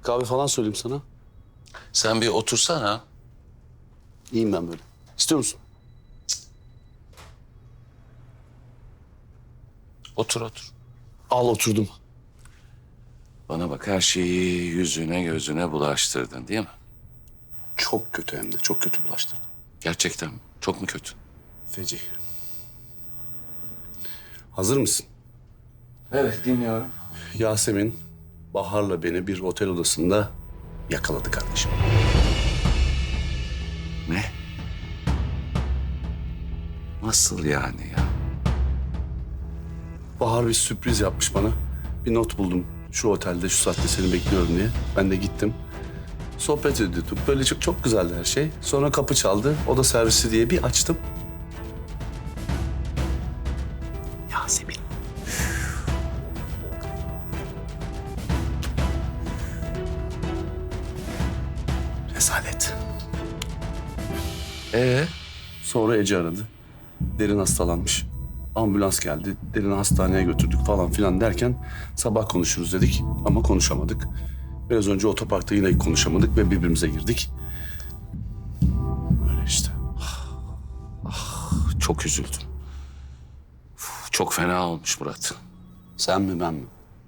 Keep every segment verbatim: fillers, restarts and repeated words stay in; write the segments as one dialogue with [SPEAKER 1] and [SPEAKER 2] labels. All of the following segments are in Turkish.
[SPEAKER 1] kahve falan söyleyeyim sana.
[SPEAKER 2] Sen bir otursana.
[SPEAKER 1] İyiyim ben böyle. İstiyor musun?
[SPEAKER 2] Otur otur.
[SPEAKER 1] Al oturdum.
[SPEAKER 2] Bana bak, her şeyi yüzüne gözüne bulaştırdın değil mi?
[SPEAKER 1] Çok kötü hem de çok kötü bulaştırdım.
[SPEAKER 2] Gerçekten çok mu kötü?
[SPEAKER 1] Feci. Hazır mısın?
[SPEAKER 2] Evet, dinliyorum.
[SPEAKER 1] Yasemin, Bahar'la beni bir otel odasında yakaladı kardeşim.
[SPEAKER 2] Ne? Nasıl yani ya?
[SPEAKER 1] Bahar bir sürpriz yapmış bana. Bir not buldum. Şu otelde şu saatte seni bekliyorum diye. Ben de gittim. Sohbet ediyorduk. Böyle çok, çok güzeldi her şey. Sonra kapı çaldı. Oda servisi diye bir açtım. Yasemin. Rezalet.
[SPEAKER 2] Ee?
[SPEAKER 1] Sonra Ece aradı. Derin hastalanmış. Ambulans geldi. Derin'i hastaneye götürdük falan filan derken sabah konuşuruz dedik ama konuşamadık. Biraz önce otoparkta yine konuşamadık ve birbirimize girdik. Öyle işte.
[SPEAKER 2] Çok üzüldüm. Uf, çok fena olmuş Murat.
[SPEAKER 1] Sen mi ben mi?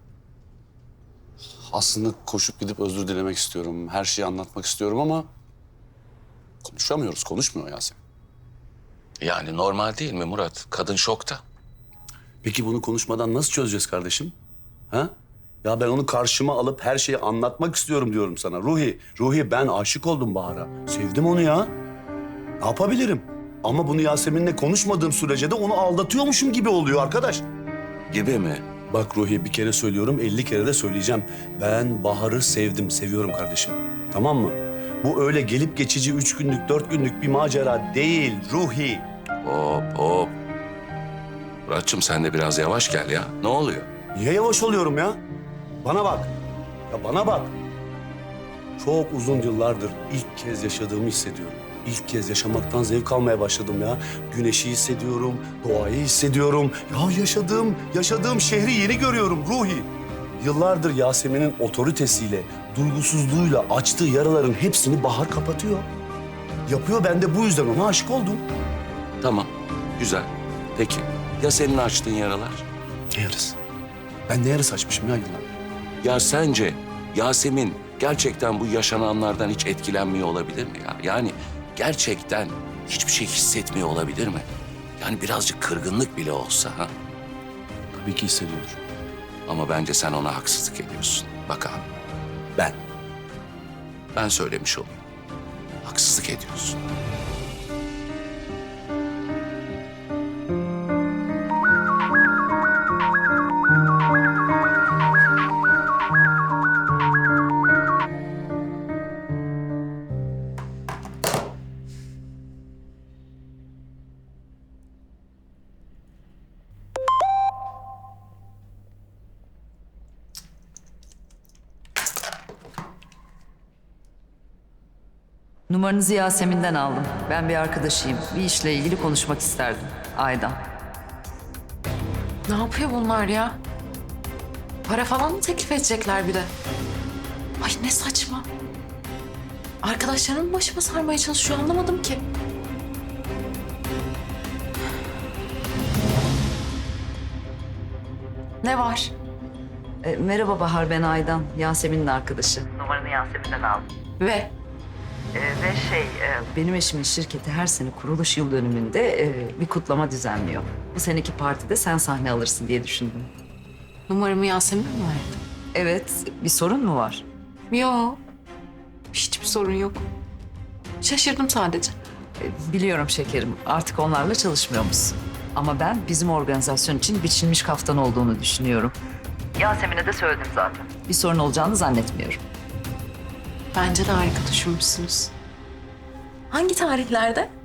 [SPEAKER 1] Aslında koşup gidip özür dilemek istiyorum. Her şeyi anlatmak istiyorum ama konuşamıyoruz. Konuşmuyor Yasemin.
[SPEAKER 2] Yani normal değil mi Murat? Kadın şokta.
[SPEAKER 1] Peki bunu konuşmadan nasıl çözeceğiz kardeşim? Ha? Ya ben onu karşıma alıp her şeyi anlatmak istiyorum diyorum sana. Ruhi, Ruhi ben aşık oldum Bahar'a. Sevdim onu ya. Ne yapabilirim? Ama bunu Yasemin'le konuşmadığım sürece de onu aldatıyormuşum gibi oluyor arkadaş.
[SPEAKER 2] Gibi mi?
[SPEAKER 1] Bak Ruhi bir kere söylüyorum, elli kere de söyleyeceğim. Ben Bahar'ı sevdim, seviyorum kardeşim. Tamam mı? Bu öyle gelip geçici üç günlük, dört günlük bir macera değil Ruhi.
[SPEAKER 2] Hop hop. Muratçım sen de biraz yavaş gel ya. Ne oluyor?
[SPEAKER 1] Niye yavaş oluyorum ya? Bana bak. Ya bana bak. Çok uzun yıllardır ilk kez yaşadığımı hissediyorum. İlk kez yaşamaktan zevk almaya başladım ya. Güneşi hissediyorum, doğayı hissediyorum. Ya yaşadığım, yaşadığım şehri yeni görüyorum Ruhi. Yıllardır Yasemin'in otoritesiyle, duygusuzluğuyla açtığı yaraların hepsini Bahar kapatıyor. Yapıyor, ben de bu yüzden ona aşık oldum.
[SPEAKER 2] Tamam, güzel. Peki, ya senin açtığın yaralar?
[SPEAKER 1] Ne yarısı? Ben ne yarısı açmışım ya yıllar?
[SPEAKER 2] Ya sence Yasemin gerçekten bu yaşananlardan hiç etkilenmiyor olabilir mi ya? Yani gerçekten hiçbir şey hissetmiyor olabilir mi? Yani birazcık kırgınlık bile olsa ha?
[SPEAKER 1] Tabii ki hissediyorum.
[SPEAKER 2] Ama bence sen ona haksızlık ediyorsun. Bak abi,
[SPEAKER 1] Ben.
[SPEAKER 2] ben söylemiş olayım. Haksızlık ediyorsun.
[SPEAKER 3] Numaranızı Yasemin'den aldım. Ben bir arkadaşıyım. Bir işle ilgili konuşmak isterdim. Aydan.
[SPEAKER 4] Ne yapıyor bunlar ya? Para falan mı teklif edecekler bir de? Ay ne saçma. Arkadaşlarım başıma sarmaya çalışıyor, anlamadım ki. Ne var?
[SPEAKER 3] E, merhaba Bahar, ben Aydan. Yasemin'in arkadaşı. Numaranı Yasemin'den aldım.
[SPEAKER 4] Ve
[SPEAKER 3] E, ve şey, e, benim eşimin şirketi her sene kuruluş yıl dönümünde e, bir kutlama düzenliyor. Bu seneki partide sen sahne alırsın diye düşündüm.
[SPEAKER 4] numaramı Yasemin mi verdi?
[SPEAKER 3] Evet, bir sorun mu var?
[SPEAKER 4] Yok. Hiçbir sorun yok. Şaşırdım sadece.
[SPEAKER 3] E, biliyorum şekerim, artık onlarla çalışmıyor musun? Ama ben bizim organizasyon için biçilmiş kaftan olduğunu düşünüyorum. Yasemin'e de söyledim zaten. Bir sorun olacağını zannetmiyorum.
[SPEAKER 4] Bence de harika düşünmüşsünüz. Hangi tarihlerde?